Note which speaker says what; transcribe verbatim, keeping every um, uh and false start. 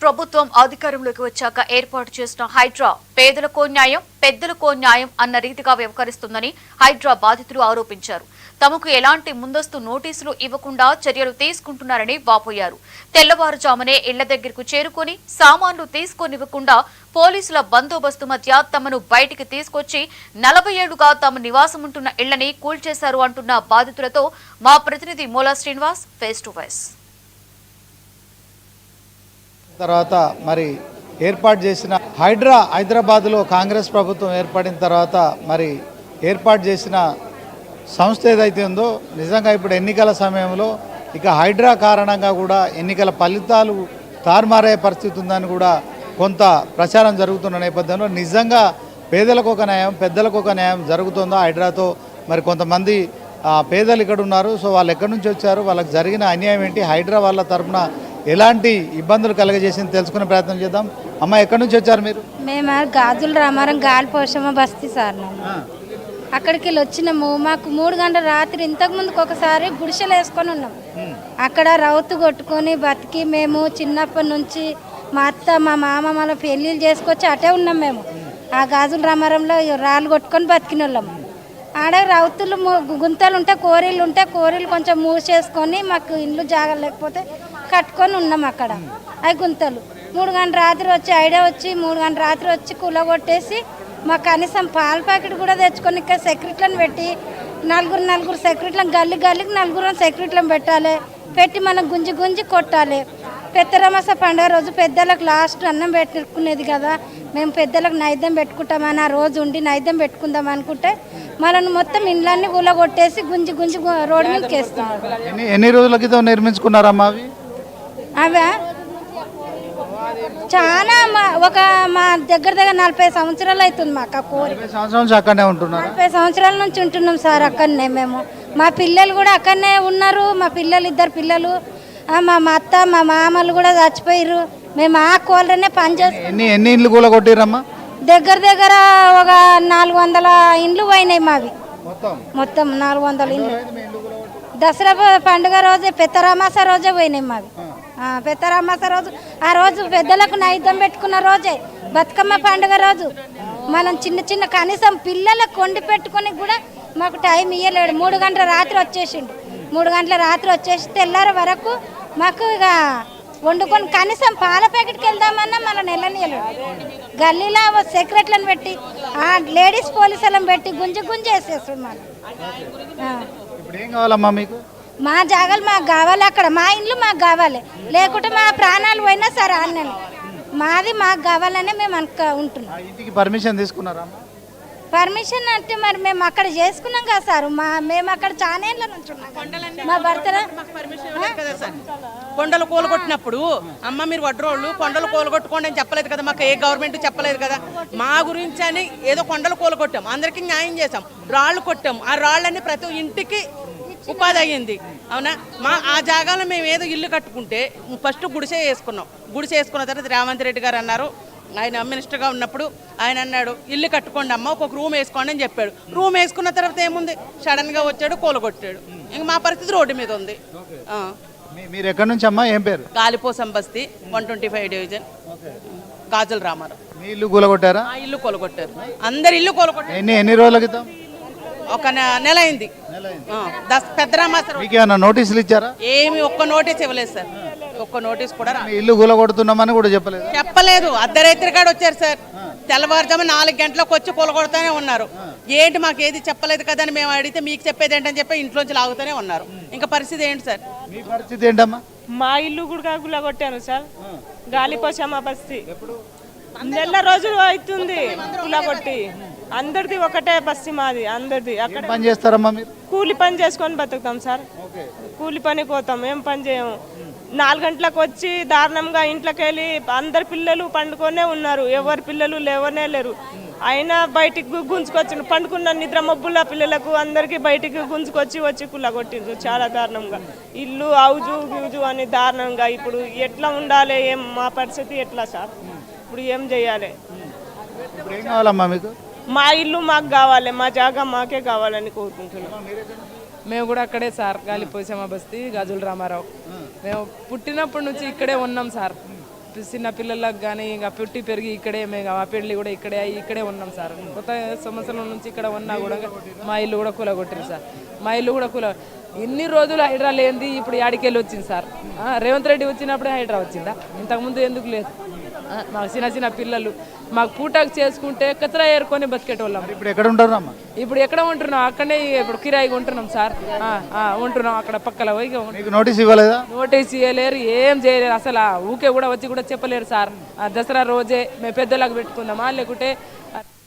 Speaker 1: ప్రభుత్వం అధికారంలోకి వచ్చాక ఏర్పాటు చేసిన హైడ్రా పేదలకో న్యాయం పెద్దలకో న్యాయం అన్న రీతిగా వ్యవహరిస్తుందని హైడ్రా బాధితులు ఆరోపించారు. తమకు ఎలాంటి ముందస్తు నోటీసులు ఇవ్వకుండా చర్యలు తీసుకుంటున్నారని వాపోయారు. తెల్లవారుజామునే ఇళ్ల దగ్గరకు చేరుకుని సామాన్లు తీసుకొనివ్వకుండా పోలీసుల బందోబస్తు మధ్య తమను బయటికి తీసుకొచ్చి నలభై ఏళ్లుగా తమ నివాసముంటున్న ఇళ్లని కూల్చేశారు అంటున్న బాధితులతో మా ప్రతినిధి మూలా శ్రీనివాస్ ఫేస్ టు ఫేస్.
Speaker 2: తర్వాత మరి ఏర్పాటు చేసిన హైడ్రా హైదరాబాద్లో కాంగ్రెస్ ప్రభుత్వం ఏర్పడిన తర్వాత మరి ఏర్పాటు చేసిన సంస్థ ఏదైతే ఉందో నిజంగా ఇప్పుడు ఎన్నికల సమయంలో ఇక హైడ్రా కారణంగా కూడా ఎన్నికల ఫలితాలు తారుమారయ్యే పరిస్థితి ఉందని కూడా కొంత ప్రచారం జరుగుతున్న నేపథ్యంలో నిజంగా పేదలకు ఒక న్యాయం పెద్దలకు ఒక న్యాయం జరుగుతుందో హైడ్రాతో మరి కొంతమంది పేదలు ఇక్కడ ఉన్నారు. సో వాళ్ళు ఎక్కడి నుంచి వచ్చారు, వాళ్ళకి జరిగిన అన్యాయం ఏంటి, హైడ్రా వాళ్ళ తరఫున ఎలాంటి ఇబ్బందులు కలగజేసింది తెలుసుకునే ప్రయత్నం చేద్దాం. అమ్మ ఎక్కడి నుంచి వచ్చారు మీరు?
Speaker 3: మేము గాజుల రామారం గాలి పోషమ్మ బస్తీ సార్. అక్కడికి వెళ్ళి వచ్చినాము. మాకు మూడు గంటల రాత్రి ఇంతకు ముందుకు ఒకసారి గుడిసెలు వేసుకొని ఉన్నాం. అక్కడ రౌతు కొట్టుకొని బతికి మేము చిన్నప్పటి నుంచి మా అత్త మా మామ మన పెళ్ళిళ్ళు చేసుకొచ్చి అటే ఉన్నాం. మేము ఆ గాజుల రామారంలో రాళ్ళు కొట్టుకొని బతికిన వాళ్ళము. ఆడ రౌతులు గుంతలు ఉంటే కోరీలు ఉంటే కోరీలు కొంచెం మూసేసుకొని మాకు ఇల్లు జాగా లేకపోతే కట్టుకొని ఉన్నాం. అక్కడ అవి గుంతలు మూడు గంటల రాత్రి వచ్చి ఐడియా వచ్చి మూడు గంటల రాత్రి వచ్చి కూలగొట్టేసి మాకు కనీసం పాల ప్యాకెట్ కూడా తెచ్చుకొని ఇక్కడ సెక్యూరిటీలను పెట్టి నలుగురు నలుగురు సెక్యూరిటీలను గల్లి గల్లికి నలుగురు సెక్యూరిటీలను పెట్టాలి. పెట్టి మనం గుంజి గుంజి కొట్టాలి. పెద్దరమాస పండుగ రోజు పెద్దలకు లాస్ట్ అన్నం పెట్టుకునేది కదా, మేము పెద్దలకు నైద్యం పెట్టుకుంటామని ఆ రోజు ఉండి నైద్యం పెట్టుకుందాం అనుకుంటే మనల్ని మొత్తం ఇండ్లన్నీ కూలగొట్టేసి గుంజి గుంజి రోడ్డు మీదకి వేస్తాం.
Speaker 2: ఎన్ని రోజుల క్రితం నిర్మించుకున్నారమ్మా అవి?
Speaker 3: అవా చాలా ఒక మా దగ్గర దగ్గర నలభై సంవత్సరాలు అవుతుంది మాకు ఆ కోరి. నలభై సంవత్సరాల నుంచి ఉంటున్నాం సార్ అక్కడనే. మేము మా పిల్లలు కూడా అక్కడనే ఉన్నారు. మా పిల్లలు ఇద్దరు పిల్లలు మా అత్త మా మామలు కూడా చచ్చిపోయారు. మేము ఆ కోళ్ళనే పనిచేస్తాం.
Speaker 2: ఎన్ని ఇండ్లు కూలగొట్టిరమ్మా?
Speaker 3: దగ్గర దగ్గర ఒక నాలుగు వందల ఇండ్లు పోయినాయి మావి. మొత్తం నాలుగు వందల ఇండ్లు దసరా పండుగ రోజే పెద్దరామాస రోజే పోయినాయి మావి. పెద్దరామాస రోజు ఆ రోజు పెద్దలకు నైద్యం పెట్టుకున్న రోజే బతుకమ్మ పండుగ రోజు మనం చిన్న చిన్న కనీసం పిల్లలకు కొండి పెట్టుకుని కూడా మాకు టైం ఇవ్వలేడు. మూడు గంటల రాత్రి వచ్చేసిండు. మూడు గంటల రాత్రి వచ్చేసి తెల్లారి వరకు మాకు ఇక వండుకొని కనీసం పాల ప్యాకెట్కి వెళ్దామన్నా మన నెలనీయలేడు. గల్లీలో సెక్రటరీలను పెట్టి ఆ లేడీస్ పోలీసులను పెట్టి గుంజి గుంజి వేసేస్తున్నాను. మా జాగాలు మాకు కావాలి, అక్కడ మా ఇండ్లు మాకు కావాలి, లేకుంటే మా ప్రాణాలు పోయినా సరే అన్నని మాది మాకు కావాలనే మేము అనుక ఉంటున్నాం.
Speaker 2: పర్మిషన్ తీసుకున్నారా?
Speaker 3: పర్మిషన్ అంటే మరి మేము అక్కడ చేసుకున్నాం కదా సార్. మా మేము అక్కడ చాలా ఏళ్ళ నుంచి ఉన్నాం. మా భర్త
Speaker 4: కొండలు కూలగొట్టినప్పుడు అమ్మ మీరు వడ్రోళ్ళు కొండలు కూలగొట్టుకోండి అని చెప్పలేదు కదా, మాకు ఏ గవర్నమెంట్ చెప్పలేదు కదా. మా గురించి అని ఏదో కొండలు కూలగొట్టాం, అందరికీ న్యాయం చేసాం, రాళ్ళు కొట్టాం. ఆ రాళ్ళని ప్రతి ఇంటికి ఉపాధి అయ్యింది. అవునా? మా ఆ జాగాలో మేము ఏదో ఇల్లు కట్టుకుంటే ఫస్ట్ గుడిసె వేసుకున్నాం. గుడిసె వేసుకున్న తర్వాత రేవంత్ రెడ్డి గారు అన్నారు, ఆయన మినిస్టర్గా ఉన్నప్పుడు ఆయన అన్నాడు ఇల్లు కట్టుకోండి అమ్మ, ఒక రూమ్ వేసుకోండి అని చెప్పాడు. రూమ్ వేసుకున్న తర్వాత ఏముంది, సడన్గా వచ్చాడు కూలగొట్టాడు. ఇంక మా పరిస్థితి రోడ్డు మీద ఉంది.
Speaker 2: మీరు ఎక్కడి నుంచి అమ్మా? ఏం పేరు?
Speaker 4: గాలిపోసం బస్తీ one twenty five division Gajula Ramaram.
Speaker 2: మీ ఇల్లు కూలగొట్టారా?
Speaker 4: ఇల్లు కూలగొట్టారు, అందరు ఇల్లు కూలగొట్టారు.
Speaker 2: ఎన్ని ఎన్ని రోజుల క్రితం?
Speaker 4: ఒక నెల అయింది.
Speaker 2: పెద్దరామాస నోటీసులు ఇచ్చారా?
Speaker 4: ఏమి ఒక్క నోటీస్ ఇవ్వలేదు సార్. ఒక్క నోటీస్ కూడా
Speaker 2: ఇల్లు కూలగొడుతున్నామని కూడా చెప్పలేదు.
Speaker 4: చెప్పలేదు. అర్ధరాత్రి కాడ వచ్చారు సార్. తెల్లవారుజాము నాలుగు గంటలకు వచ్చి కూలగొడుతూనే ఉన్నారు. ఏంటి మాకు ఏది చెప్పలేదు కదా అని మేము అడిగితే మీకు చెప్పేది ఏంటని చెప్పి ఇంట్లోంచి లాగుతూనే ఉన్నారు. ఇంకా పరిస్థితి ఏంటి సార్?
Speaker 2: మీ పరిస్థితి ఏంటమ్మా?
Speaker 5: మా ఇల్లు కూడా కూలగొట్టాను సార్. గాలిపోసమ్మ బస్తీ నెల రోజులు అవుతుంది కూలగొట్టి. అందరిది ఒకటే బస్తీ మాది, అందరిది. అక్కడ
Speaker 2: పని చేస్తారమ్మా మీరు?
Speaker 5: కూలి పని చేసుకొని బతుకుతాం సార్. కూలి పని పోతాం, ఏం పని చేయము. నాలుగు గంటలకు వచ్చి దారుణంగా ఇంట్లోకి వెళ్ళి అందరు పిల్లలు పండుకొనే ఉన్నారు, ఎవరి పిల్లలు లేవనే లేరు. అయినా బయటికి గుంజుకొచ్చి పండుకున్న నిద్ర మబ్బుల పిల్లలకు అందరికీ బయటికి గుంజుకొచ్చి వచ్చి కుల్లగొట్టిండ్రు చాలా దారుణంగా. ఇల్లు అవుజు గిజు అని దారుణంగా. ఇప్పుడు ఎట్లా ఉండాలి, ఏం మా పరిస్థితి ఎట్లా సార్? ఇప్పుడు ఏం చేయాలి?
Speaker 2: ఏం కావాలమ్మా మీకు?
Speaker 5: మా ఇల్లు మాకు కావాలి, మా జాగా మాకే కావాలని కోరుకుంటున్నాం.
Speaker 6: మేము కూడా అక్కడే సార్, గాలిపోసమ్మ బస్తీ గాజుల రామారావు. మేము పుట్టినప్పటి నుంచి ఇక్కడే ఉన్నాం సార్. చిన్న పిల్లలకు కానీ ఇంకా పుట్టి పెరిగి ఇక్కడే మేము మా పెళ్ళి కూడా ఇక్కడే అయ్యి ఇక్కడే ఉన్నాం సార్. కొత్త సంవత్సరం నుంచి ఇక్కడ ఉన్నా కూడా మా ఇల్లు కూడా కూలగొట్టారు సార్. మా ఇల్లు కూడా కూల ఇన్ని రోజులు హైడ్రా లేనిది ఇప్పుడు యాడికెళ్ళి వచ్చింది సార్. ఆ, రేవంత్ రెడ్డి వచ్చినప్పుడే హైడ్రా వచ్చిందా, ఇంతకుముందు ఎందుకు లేదు? ఆ, మాకు చిన్న చిన్న పిల్లలు మాకు పూటకు చేసుకుంటే కచరా ఏరుకొని బతికేటోళ్ళం.
Speaker 2: ఇప్పుడు ఎక్కడ ఉంటారు అమ్మా?
Speaker 6: ఇప్పుడు ఎక్కడ ఉంటున్నాం? అక్కడనే ఇప్పుడు కిరాయిగా ఉంటున్నాం సార్. ఆ, ఆ, ఉంటున్నాం అక్కడ పక్కల పోయి ఉంటున్నాం.
Speaker 2: మీకు నోటీస్ ఇవ్వలేదా?
Speaker 6: నోటీస్ ఇవ్వలేరు, ఏం చేయలేరు అసలు. ఆ ఊకే కూడా వచ్చి కూడా చెప్పలేరు సార్. ఆ దసరా రోజే మేము పెద్దలకు పెట్టుకుందామా లేకుంటే